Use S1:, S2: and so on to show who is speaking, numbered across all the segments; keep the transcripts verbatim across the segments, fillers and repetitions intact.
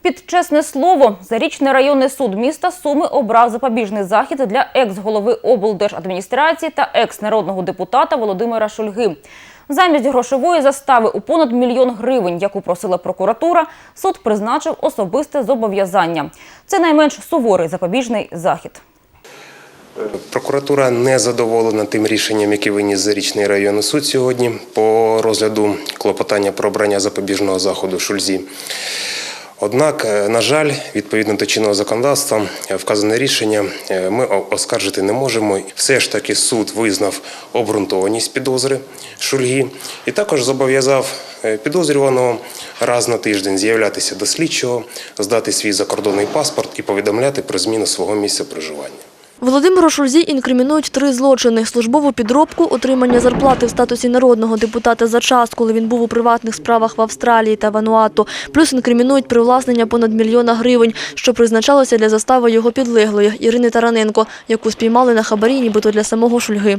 S1: Під чесне слово, Зарічний районний суд міста Суми обрав запобіжний захід для екс-голови облдержадміністрації та екс-народного депутата Володимира Шульги. Замість грошової застави у понад мільйон гривень, яку просила прокуратура, суд призначив особисте зобов'язання. Це найменш суворий запобіжний захід.
S2: Прокуратура не задоволена тим рішенням, яке виніс Зарічний районний суд сьогодні по розгляду клопотання про обрання запобіжного заходу Шульзі. Однак, на жаль, відповідно до чинного законодавства, вказане рішення ми оскаржити не можемо. Все ж таки суд визнав обґрунтованість підозри Шульги і також зобов'язав підозрюваного раз на тиждень з'являтися до слідчого, здати свій закордонний паспорт і повідомляти про зміну свого місця проживання.
S3: Володимиру Шульзі інкримінують три злочини – службову підробку, отримання зарплати в статусі народного депутата за час, коли він був у приватних справах в Австралії та Вануату, плюс інкримінують привласнення понад мільйона гривень, що призначалося для застави його підлеглої Ірини Тараненко, яку спіймали на хабарі нібито для самого Шульги.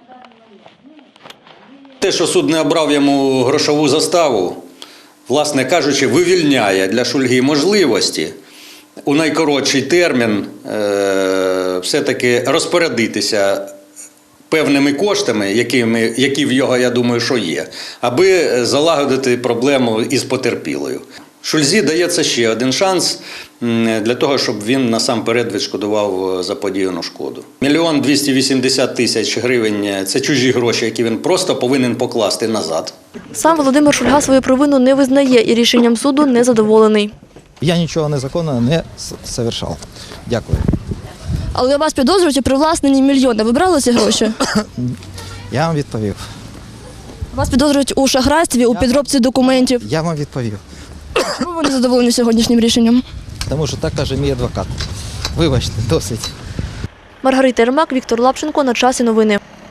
S4: Те, що суд не обрав йому грошову заставу, власне кажучи, вивільняє для Шульги можливості у найкоротший термін е, все-таки розпорядитися певними коштами, якими, які в його, я думаю, що є, аби залагодити проблему із потерпілою. Шульзі дається ще один шанс для того, щоб він насамперед відшкодував заподіяну шкоду. Мільйон двісті вісімдесят тисяч гривень – це чужі гроші, які він просто повинен покласти назад.
S3: Сам Володимир Шульга свою провину не визнає і рішенням суду не задоволений.
S5: Я нічого незаконного не совершав. Дякую.
S3: Але вас підозрюють у привласненні мільйона. Ви брали ці гроші?
S5: Я вам відповів.
S3: Вас підозрюють у шахрайстві, у підробці документів.
S5: Я вам відповів.
S3: Чому ви не задоволені сьогоднішнім рішенням?
S5: Тому що так каже мій адвокат. Вибачте, досить.
S3: Маргарита Єрмак, Віктор Лапченко. На часі новини.